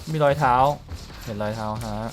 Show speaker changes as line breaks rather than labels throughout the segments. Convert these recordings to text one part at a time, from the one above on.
มีรอยเท้าเห็นรอยเท้าฮะ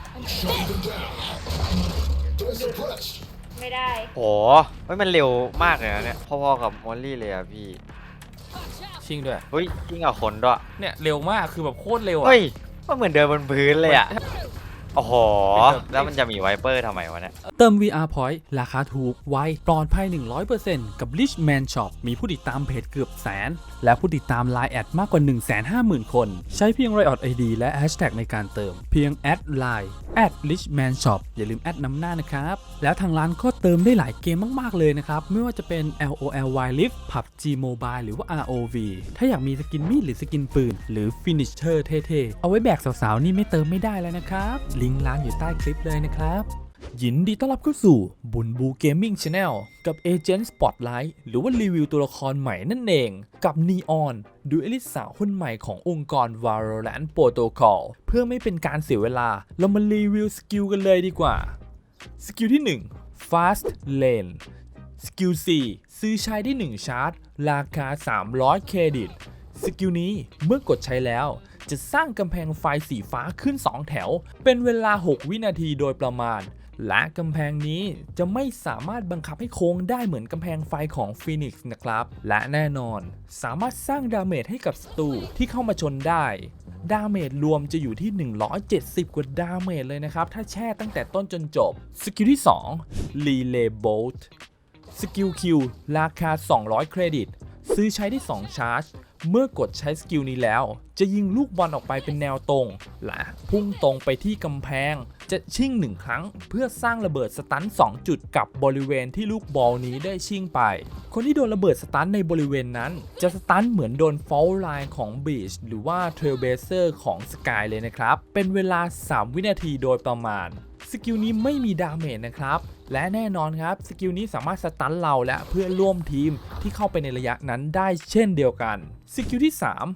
ไม่ได้
โหมันเร็วมากเลยนะเนี่ยพอๆกับมอลลี่เลยอะพี่
ชิงด้วย
เฮ้ยยิ่งกับคนด้วย
เนี่ยเร็วมากคือแบบโคตรเร็วอ่ะ
เฮ้ยมันเหมือนเดินบนพื้นเลยอะโอ้โหแล้วมันจะมีไวเปอร์ทำไมวะเนี่ย
เติม VR Point ราคาถูกไวปลอดภัย 100% กับ Richman Shop มีผู้ติดตามเพจเกือบแสน และผู้ติดตาม Line แอดมากกว่า 150,000 คน ใช้เพียง Riot ID และ Hashtag ในการเติม เพียงแอด Line @Richman Shop อย่าลืมแอดนำหน้านะครับ แล้วทางร้านก็เติมได้หลายเกมมากๆเลยนะครับ ไม่ว่าจะเป็น LOL Wild Rift PUBG Mobile หรือว่า ROV ถ้าอยากมีสกินมีดหรือสกินปืนหรือ Finisher เท่ๆ เอาไว้แบกสาวๆนี่ไม่เติมไม่ได้แล้วนะครับลิงก์ร้านอยู่ใต้คลิปเลยนะครับยินดีต้อนรับเข้าสู่บุญบูเกมมิ่งชาแนลกับเอเจนต์สปอตไลท์หรือว่ารีวิวตัวละครใหม่นั่นเองกับนีออนดูเอลิสสาวคนใหม่ขององค์กร Valorant Protocol เพื่อไม่เป็นการเสียเวลาเรามารีวิวสกิลกันเลยดีกว่าสกิลที่ 1 Fast Lane สกิล 4 ซื้อใช้ได้1ชาร์จราคา300เครดิตสกิลนี้เมื่อกดใช้แล้วจะสร้างกำแพงไฟสีฟ้าขึ้น2แถวเป็นเวลา6วินาทีโดยประมาณและกำแพงนี้จะไม่สามารถบังคับให้โค้งได้เหมือนกำแพงไฟของฟีนิกซ์นะครับและแน่นอนสามารถสร้างดาเมจให้กับศัตรูที่เข้ามาชนได้ดาเมจรวมจะอยู่ที่170กว่าดาเมจเลยนะครับถ้าแช่ตั้งแต่ต้นจนจบสกิลที่2 Relay Bolt สกิล Q ราคา200เครดิตซื้อใช้ได้2ชาร์จเมื่อกดใช้สกิลนี้แล้วจะยิงลูกบอลออกไปเป็นแนวตรงและพุ่งตรงไปที่กำแพงจะชิ่ง1ครั้งเพื่อสร้างระเบิดสตัน2จุดกับบริเวณที่ลูกบอลนี้ได้ชิ่งไปคนที่โดนระเบิดสตันในบริเวณนั้นจะสตันเหมือนโดนฟอลไลน์ของบีชหรือว่าเทรลเบเซอร์ของสกายเลยนะครับเป็นเวลา3วินาทีโดยประมาณสกิลนี้ไม่มีดาเมจนะครับและแน่นอนครับสกิลนี้สามารถสตันเราและเพื่อนร่วมทีมที่เข้าไปในระยะนั้นได้เช่นเดียวกันสกิลที่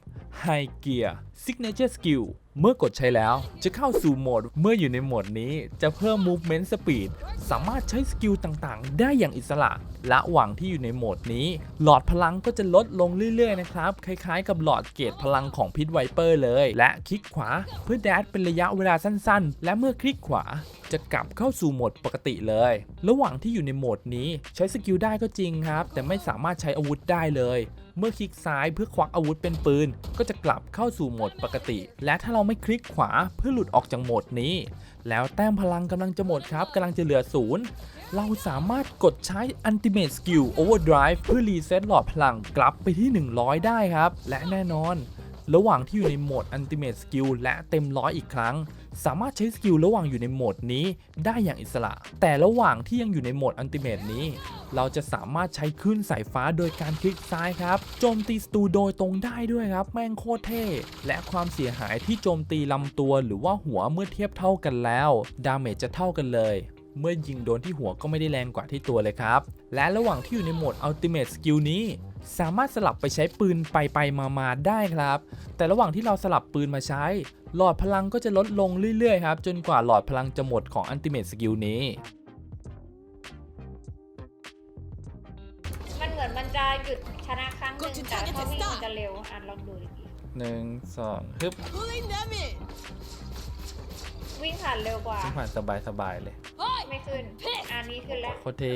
3 High Gear Signature Skill เมื่อกดใช้แล้วจะเข้าสู่โหมดเมื่ออยู่ในโหมดนี้จะเพิ่ม Movement Speed สามารถใช้สกิลต่างๆได้อย่างอิสระระหว่างที่อยู่ในโหมดนี้หลอดพลังก็จะลดลงเรื่อยๆนะครับคล้ายๆกับหลอดเกรดพลังของพิษไวเปอร์เลยและคลิกขวาเพื่อแดชเป็นระยะเวลาสั้นๆและเมื่อคลิกขวาจะกลับเข้าสู่โหมดปกติเลยระหว่างที่อยู่ในโหมดนี้ใช้สกิลได้ก็จริงครับแต่ไม่สามารถใช้อาวุธได้เลยเมื่อคลิกซ้ายเพื่อควักอาวุธเป็นปืนก็จะกลับเข้าสู่โหมดปกติและถ้าเราไม่คลิกขวาเพื่อหลุดออกจากโหมดนี้แล้วแต้มพลังกำลังจะหมดครับกำลังจะเหลือ0เราสามารถกดใช้ Ultimate Skill Overdrive เพื่อรีเซ็ตหลอดพลังกลับไปที่100ได้ครับและแน่นอนระหว่างที่อยู่ในโหมด Ultimate Skill และเต็ม100อีกครั้งสามารถใช้สกิลระหว่างอยู่ในโหมดนี้ได้อย่างอิสระแต่ระหว่างที่ยังอยู่ในโหมด Ultimate นี้เราจะสามารถใช้คลื่นสายฟ้าโดยการคลิกซ้ายครับโจมตีศัตรูโดยตรงได้ด้วยครับแม่งโคตรเท่และความเสียหายที่โจมตีลำตัวหรือว่าหัวเมื่อเทียบเท่ากันแล้วดาเมจจะเท่ากันเลยเมื่อยิงโดนที่หัวก็ไม่ได้แรงกว่าที่ตัวเลยครับและระหว่างที่อยู่ในโหมด Ultimate Skill นี้สามารถสลับไปใช้ปืนไปมาได้ครับแต่ระหว่างที่เราสลับปืนมาใช้หลอดพลังก็จะลดลงเรื่อยๆครับจนกว่าหลอดพลังจะหมดของ Ultimate Skill นี้
มันเหมือนมันจะหยุดชนะครั้งหนึ่งแต่ถ้าวิ่งมันจะเร็วลองดูดิ
1 2ฮึบ
วิ่งผ่านเร็วกว่า
ซึ่งผ่านสบายๆเลย
ไม่ขึ้นอันนี้ขึ้นแล้ว
โคตรเท่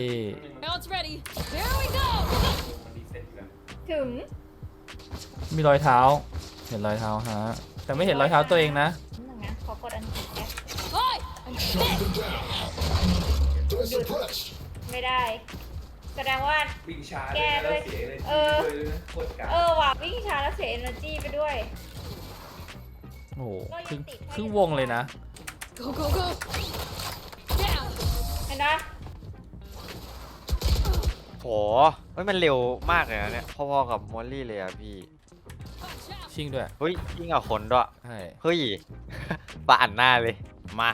ถึง
มีรอยเท้าเห็นรอยเท้าฮะแต่ไม่เห็นรอยเท้าตัวเองนะ
หนึ่งนะขอกดอันติดแก๊สหยุดไม่ได้แสดงว่าแก้ด้วยว่ะวิ่งช้าแล้วเสีย energy ไปด้วย
โอ้โหครึ่งวงเลยนะ
เห็นไหม
โหมันเร็วมากเลยนะเนี่ยพอๆกับมอลลี่เลยอะพี่
ชิงด้วย
เฮ้ยยิ่งกับคนด้วย
ใช่
เฮ้ยปะอันหน้าเลยมา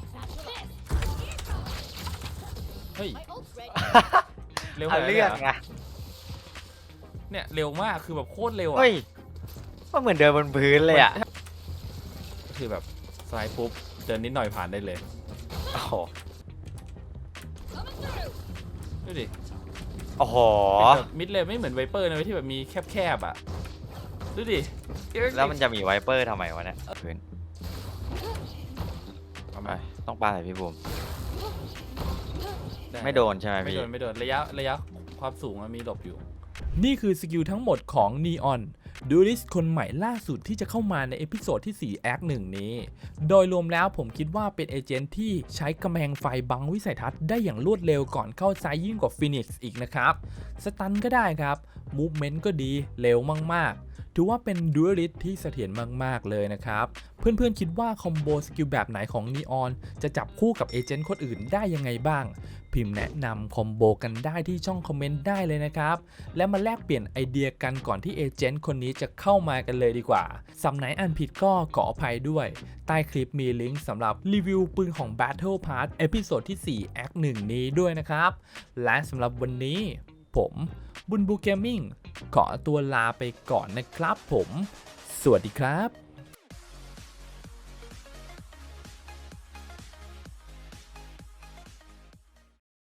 เฮ้ยเร็ว
เรื่องไง
เนี่ยเร็วมากคือแบบโคตรเร็วอ่ะ
เฮ้ยมันเหมือนเดินบนพื้นเลยอ่ะ
คือแบบสไลด์ปุ๊บเดินนิดหน่อยผ่านได้เลย
โอ้โห
ดูดิ
โอ้โห
มิดเลยไม่เหมือนไวเปอร์นะที่แบบมีแคบๆอ่ะดูดิ
แล้วมันจะมีไวเปอร์ทำไมวะเนี่ยพื้นทำไมต้องปาใส่พี่บูมไม่โดนใช่ไหม
ไม่
พี่
โดนไม่โดนระยะความสูงมันมีหลบอยู่นี่คือสกิลทั้งหมดของ Neon ดูริสคนใหม่ล่าสุดที่จะเข้ามาในเอพิโซดที่4 Act 1 นี้โดยรวมแล้วผมคิดว่าเป็นเอเจนต์ที่ใช้กำแพงไฟบังวิสัยทัศน์ได้อย่างรวดเร็วก่อนเข้าไซด์ยิ่งกว่าฟินิกซ์อีกนะครับสตันก็ได้ครับมูฟเมนต์ก็ดีเร็วมากๆถือว่าเป็นดูริสที่เสถียรมากๆเลยนะครับเพื่อนๆคิดว่าคอมโบสกิลแบบไหนของ Neon จะจับคู่กับเอเจนต์คนอื่นได้ยังไงบ้างพิมพ์แนะนำคอมโบกันได้ที่ช่องคอมเมนต์ได้เลยนะครับและมาแลกเปลี่ยนไอเดียกันก่อนที่เอเจนต์คนนี้จะเข้ามากันเลยดีกว่าสำไหนอันผิดก็ขออภัยด้วยใต้คลิปมีลิงก์สำหรับรีวิวปืนของ Battle Pass เอพิโซดที่4 Act 1 นี้ด้วยนะครับและสำหรับวันนี้ผมบุญบูเกมมิ่งขอตัวลาไปก่อนนะครับผมสวัสดีครับ